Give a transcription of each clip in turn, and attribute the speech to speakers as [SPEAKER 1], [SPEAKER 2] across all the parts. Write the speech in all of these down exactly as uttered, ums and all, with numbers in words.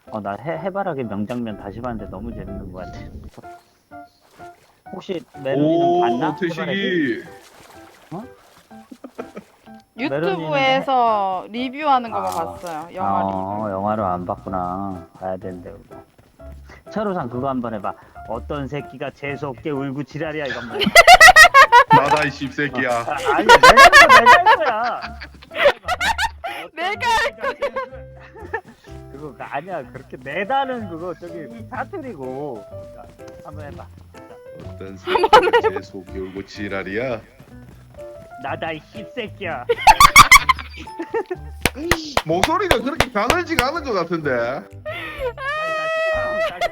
[SPEAKER 1] 어, 나 해, 해바라기 명장면 다시 봤는데 너무 재밌는 것 같아. 혹시 메론이는 봤나?
[SPEAKER 2] 오,
[SPEAKER 1] 해바라기?
[SPEAKER 2] 태식이.
[SPEAKER 1] 어? 메론이는 해...
[SPEAKER 3] 유튜브에서 리뷰하는 것만
[SPEAKER 1] 아,
[SPEAKER 3] 봤어요. 영화
[SPEAKER 1] 어,
[SPEAKER 3] 리뷰.
[SPEAKER 1] 영화를 안 봤구나. 봐야 되는데, 그거. 차로상 그거 한번 해봐. 어떤 새끼가 재수없게 울고 지랄이야, 이거 한번 해봐.
[SPEAKER 2] 나다 이 씹새끼야.
[SPEAKER 1] 아, 아니, 내가 할 거야, 내가 할 거야.
[SPEAKER 3] 내가
[SPEAKER 1] 할 거야. 그거 그- 아니야, 그렇게 내다는 그거 저기 사투리고. 자, 한번 해봐. 자,
[SPEAKER 2] 어떤 새끼가 제 속이 울고 지랄이야.
[SPEAKER 1] 나다 이 씹새끼야.
[SPEAKER 2] 목소리가 그렇게 가늘지가 않은 것 같은데.
[SPEAKER 1] 다시, 다시,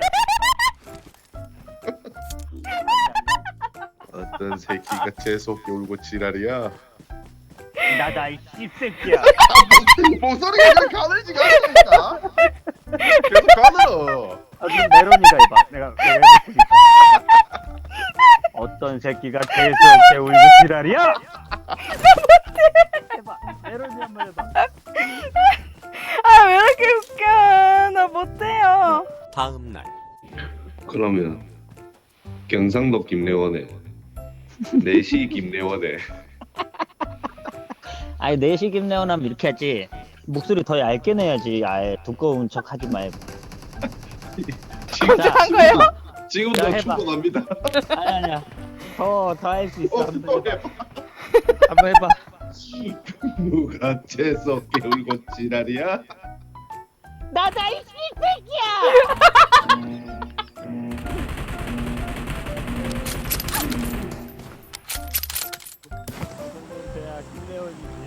[SPEAKER 1] 다시.
[SPEAKER 2] 어떤 새끼가 제 속이 울고 지랄이야.
[SPEAKER 1] 나다 이 씹새끼야.
[SPEAKER 2] 목소리가 그렇게 가늘지가 않으니까. 계속 가늘어.
[SPEAKER 1] 아, 그럼 메론이가 해봐. 내가 내가 해보니까. 어떤 새끼가 재수없게 울고 지랄이야? 해봐. 메론이 한번 해봐.
[SPEAKER 3] 아, 왜 이렇게 웃겨? 나 못해요.
[SPEAKER 4] 다음 날
[SPEAKER 2] 그러면 경상도 김래원의 내시 김래원의
[SPEAKER 1] 아니 내시 김래원 하면 이렇게 하지. 목소리 더 얇게 내야지. 아예 두꺼운 척 하지 말고.
[SPEAKER 3] 혼자 한 거예요?
[SPEAKER 1] 자,
[SPEAKER 2] 지금도
[SPEAKER 1] 해봐.
[SPEAKER 2] 충분합니다.
[SPEAKER 1] 아니 아니야. 더 더 할 수 있어.
[SPEAKER 2] 어,
[SPEAKER 1] 한번
[SPEAKER 2] 또
[SPEAKER 1] 해봐.
[SPEAKER 2] 해봐.
[SPEAKER 1] 한번 해봐.
[SPEAKER 2] 누가 제 속에 울고 지랄이야?
[SPEAKER 1] 나다 이 씹새끼야. 김래원이